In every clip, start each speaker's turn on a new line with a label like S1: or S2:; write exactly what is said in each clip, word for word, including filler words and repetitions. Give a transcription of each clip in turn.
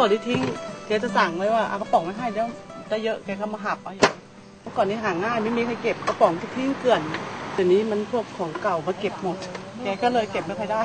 S1: ก่อนที่ทิ้งแกจะสั่งไว้ว่าเอากระป๋องไม่ให้เดี๋ยวจะเยอะแกก็มาหับเอาอย่างเมื่อก่อนนี้หาง่ายไม่มีใครเก็บกระป๋องที่ทิ้งเกลื่อนเดี๋ยวนี้มันพวกของเก่ามาเก็บหมดแกก็เลยเก็บไม่ค่อยได้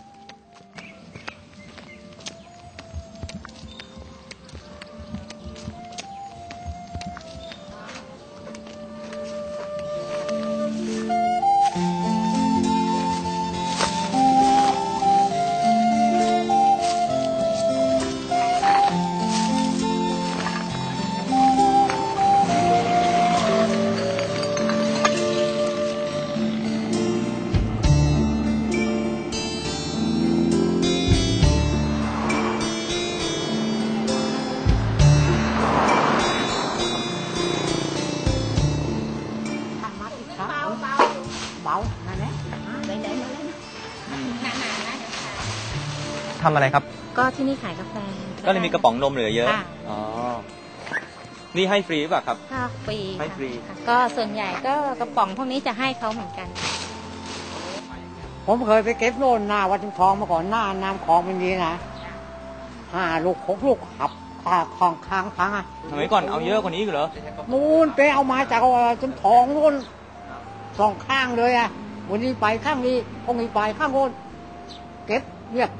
S2: ทำอะไรครับ
S3: ก็ที่นี่ขายกาแฟ
S2: ก็เลยมีกระป๋องนมเหลือเยอะอ๋อนี่ให้ฟรีป่ะครับ
S3: ค่ะฟรี
S2: ให้ฟรี
S3: ก็ส่วนใหญ่ก็กระป๋องพวกนี้จะให้เขาเหมือนกัน
S4: ผมเคยไปเก็บโน่นหน้าวัดชุมทองมาก่อนหน้าน้ำคลองมันดีนะห้าลูกหกลูกขับขาคลองค้างพังอ่ะ
S2: สมัยก่อนเอาเยอะกว่านี้เหรอ
S4: นู่นไปเอามาจากชุมทองนู่นสองข้างเลยอ่ะวันนี้ไปข้างนี้พรุ่งนี้ไปข้างโน้นเก็บเรียบ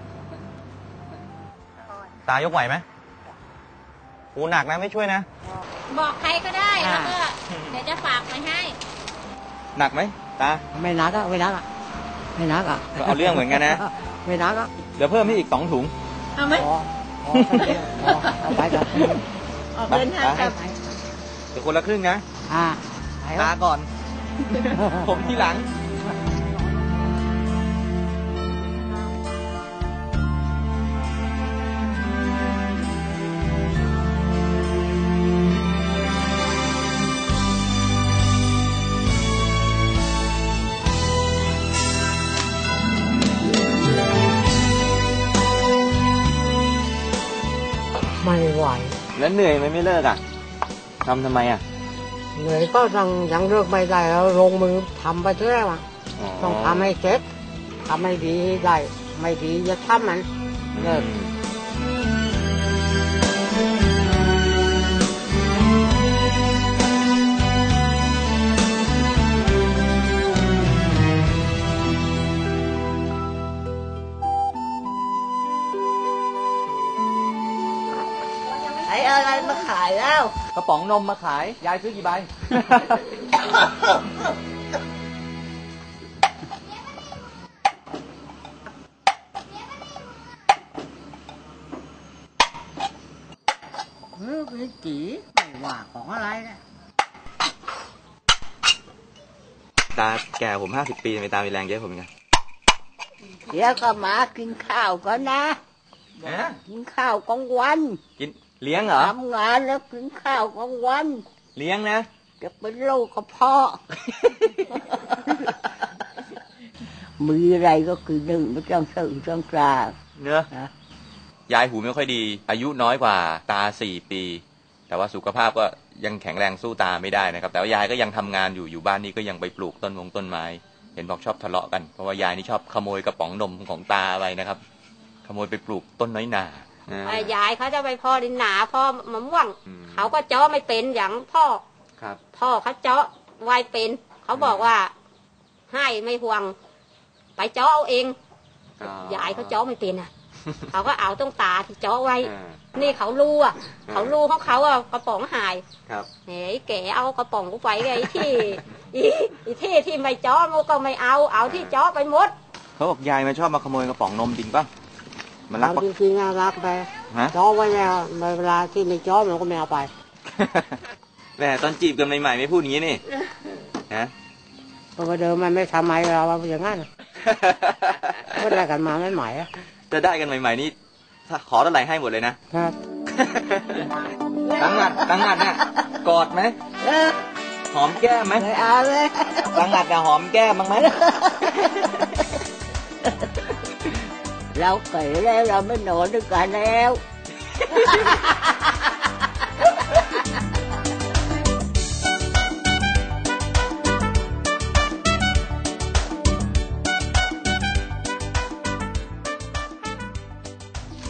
S2: ตายกไหวไหมโอ้หนักนะไม่ช่วยนะ
S3: บอกใครก็ได้แล้วก็เดี๋ยวจะฝากไปให้
S2: หนักไหมตา
S4: ไม่หนักอ่ะไม่หนักอ่ะไม่หนักอ่ะ
S2: เอาเรื่องเหมือนกันนะ
S4: ไม่หนักอ่ะ
S2: เดี๋ยวเพิ่มให้อีกสองถุง
S3: เอาไหม
S4: เอาไปกัน
S3: ออกเดินทางกัน
S2: เดี๋ยวคนละครึ่งนะ
S4: อ่า
S2: ตาก่อนผมที่หลัง
S4: ไม่ไหว
S2: แล้วเหนื่อยไหมไม่เลิกอ่ะทำทำไมอ่ะ
S4: เหนื่อยก็ยังยังเลิกไม่ได้แล้วลงมือทำไปเรื่อยมาต้องทำให้เสร็จทำให้ดีได้ไม่ดีจะทำมันเลิก
S1: ไอ้อะไรมาขายแล้ว
S2: กระป๋องนมมาขายยายซื้อกี่ใบ
S4: เออพี่จีไม่ว่าของอะไรนะ
S2: ตาแก่ผมห้าสิบปีไม่ตามีแรงเยอะผมไง
S4: เดี๋ยวก็มากินข้าวก่อนนะกินข้าวกลางวัน
S2: กินเลี้ยงเหรอ
S4: ทำงานแล้วกินข้าวกลางวัน
S2: เลี้ยงนะ
S4: จะเป็นโรคกระเพาะมีอะไรก็คือหนึ่งไม่ต้องสื่อต้องกลาง
S2: เนอะยายหูไม่ค่อยดีอายุน้อยกว่าตาสี่ปีแต่ว่าสุขภาพก็ยังแข็งแรงสู้ตาไม่ได้นะครับแต่ว่ายายก็ยังทำงานอยู่อยู่บ้านนี้ก็ยังไปปลูกต้นมงต้นไม้เห็นบอกชอบทะเลาะกันเพราะว่ายายนี่ชอบขโมยกระป๋องนมของตาไปนะครับขโมยไปปลูกต้นน้อยหน
S3: ายายเขาจะไปพ่อดินหนาพ่อมะม่วงเขาก็เจาะไม่เป็นอย่างพ่อพ่อเขาเจาะไวเป็นเขาบอกว่าให้ไม่ห่วงไปเจาะเอาเองยายเขาเจาะไม่เป็นอ่ะเขาก็เอาต้องตาที่เจาะไว้นี่เขารู้อ่ะเขารู้ของเขาอ่ะกระป๋องหายเฮ้ยแกเอากระป๋องกูไปไงที่อีที่ที่ไม่เจาะมันก็ไม่เอาเอาที่เจาะไปหมด
S2: เขาบอกยายมันชอบมาขโมยกระป๋องนมจริงป่ะ
S4: มันรักจริงๆน่ารักไปจ้อไว้แล้วเวลาที่ไม่จ้อมันก็ไม่เอาไป
S2: แหมตอนจีบกันใหม่ๆไม่พูดอย่างนี้นี่ฮะ
S4: เพราะว่าเดิมมันไม่ทำไมเราอย่างนั้นก็ได้กันมาไม่ใหม่อะ
S2: จะได้กันใหม่ๆนี่ถ้าขอเท่าไหร่ให้หมดเลยนะครับตั้งงัดตั้งงัดเนี่ยกอดไหมหอมแก้มไหม
S4: ไม่เอาเลย
S2: ตั้งงัดจะหอมแก้มบ้างไหม
S4: เราเก๋แล้วเราไม่นอนด้วยกันแล้ว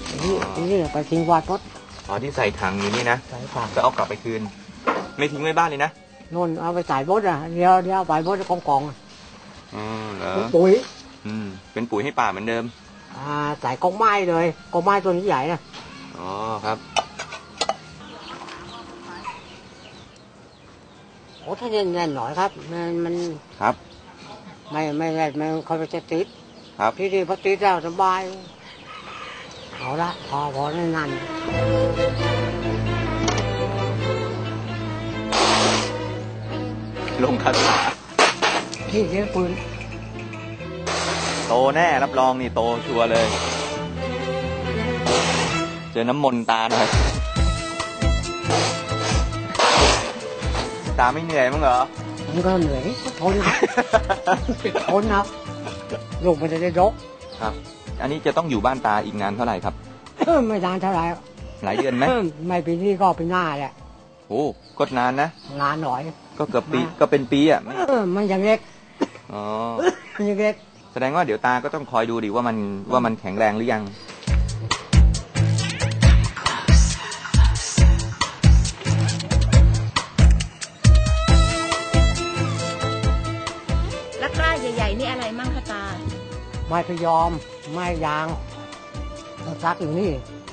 S4: นี่นี่ไปทิ้งวัดพด
S2: อ๋อที่ใส่ถังอยู่นี่นะ
S4: ใส่ถัง
S2: ก็เอากลับไปคืน ไม่ทิ้งไว้บ้านเลยนะ
S4: นู่นเอาไปใส่บดอ่ะเดี๋ยวเดี๋ยวไปบดกองกอง
S2: อ๋อเหรอ
S4: ปุ๋ย
S2: อืมเป็นปุ๋ยให้ป่าเหมือนเดิม
S4: อ่าใส่กองไม้เลยกองไม้ตัวนี้ใหญ่นะ
S2: อ๋อครับ
S4: โอ้ถ้าแน่นๆหน่อยครับมันมัน
S2: ครับ
S4: ไม่ไม่แน่นมันเขาจะติด
S2: ครับ
S4: ที่นี่พอติดแล้วสบายเอาละพอพอแน่น
S2: ลงคาถา
S4: ๆที่เลี้ยงปืน
S2: โตแน่รับรองนี่โตชัวร์เลย เจอน้ำมนต์ตาหน่อย ตาไม่เหนื่อยมั้งเหรอ
S4: มันก็เหนื่อยก็ทนทนครับลูกมันจะได้ยก
S2: ครับ อันนี้จะต้องอยู่บ้านตาอีกนานเท่าไหร่ครับ
S4: ไม่นานเท่าไหร่
S2: หลายเดือนไหม
S4: ไม่ปีนี้ก็ปีหน้าแหละ
S2: โอ้ก็นานนะ
S4: นานหน่อย
S2: ก็เกือบปีก็เป็นปีอ่ะไม่
S4: เออมันยังเล็ก
S2: อ๋อ
S4: มันยังเล็ก
S2: แสดงว่าเดี๋ยวตาก็ต้องคอยดูดิว่ามันว่ามันแข็งแรงหรือยัง
S5: แล้วกล้าใหญ่ๆนี่อะไรมั่งคะตา
S4: ไม้พยอมไม้ยางมันซักอยู่นี่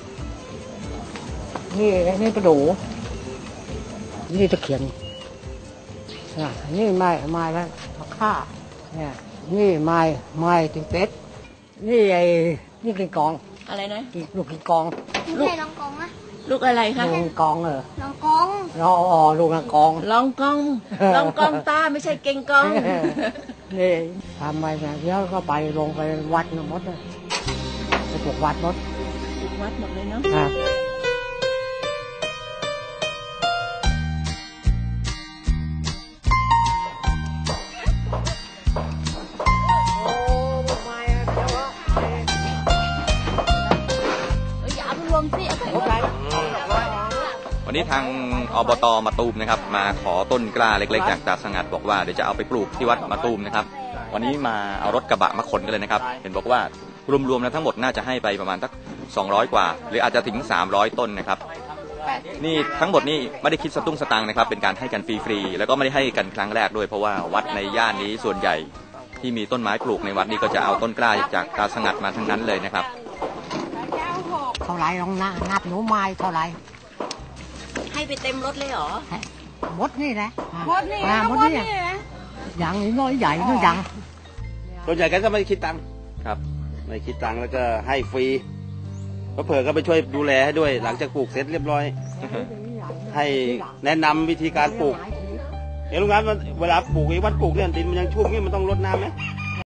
S4: นี่นี่ประดูนี่ตะเขียนอ่ะนี่ไม้ไม้แล้วมะค่าเนี่ยนี่ไม้ไม้ติงเป็ดนี่ไอ้นี่กินกอง
S5: อะไรนะ
S4: กินลูกกินกอง
S6: ไม่ใช่ลองกองนะ
S5: ลูกอะไรคะ
S4: ลูกกินกองเออ
S6: ลองกอง
S4: เราอ๋อลูกกินกอง
S5: ลองกอง ลองกองตาไม่ใช่เก่งกอง
S4: นี่ทำไปนะเดี๋ยวก็ไปลงไปวัดนะมดเลยไปปลูกวัดมด
S5: วัดหมดเลยเนาะ
S4: ครับโอ้ไม่เดี๋ยวว่า
S5: อย่าเอาไปรวมสิเอาไปรวม
S2: วันนี้ทางอบตมาตูมนะครับ มาขอต้นกล้าเล็กๆจากตาสงัดบอกว่าเดี๋ยวจะเอาไปปลูกที่วัดมาตูมนะครับ วันนี้มาเอารถกระบะมาขนกันเลยนะครับ เห็นบอกว่ารวมๆแล้วทั้งหมดน่าจะให้ไปประมาณสักสองร้อยกว่า หรืออาจจะถึงสามร้อยต้นนะครับ นี่ทั้งหมดนี่ไม่ได้คิดสตุ้งสตังค์นะครับ เป็นการให้กันฟรีๆแล้วก็ไม่ได้ให้กันครั้งแรกด้วยเพราะว่าวัดในย่านนี้ส่วนใหญ่ที่มีต้นไม้ปลูกในวัดนี้ก็จะเอาต้นกล้าจากตาสงัดมาทั้งนั้นเลยนะครับ
S4: เท่าไรลองนับนับหนูไม้เท่าไร
S5: ให้ไปเต็มรถเลยเหรอ
S4: มดนี่แหละ
S6: มดนี่
S4: อ่า
S6: นะ
S4: มด
S6: มด
S4: นี่
S6: นี่นะ
S4: อย่างนี้น้อยใหญ่น้อยยัง
S7: ส่วนใหญ่กันก็ไม่คิดตังค์
S2: ครับ
S7: ไม่คิดตังค์แล้วก็ให้ฟรีเผื่อๆก็ไปช่วยดูแลให้ด้วย หลังจากปลูกเสร็จเรียบร้อย ให้แนะนำวิธีการปลูกเห็นลุงงั้นเวลาปลูกไอ้วัดปลูกเนี่ยดินมันยังชุ่มนี่มันต้องรดน้ำไหม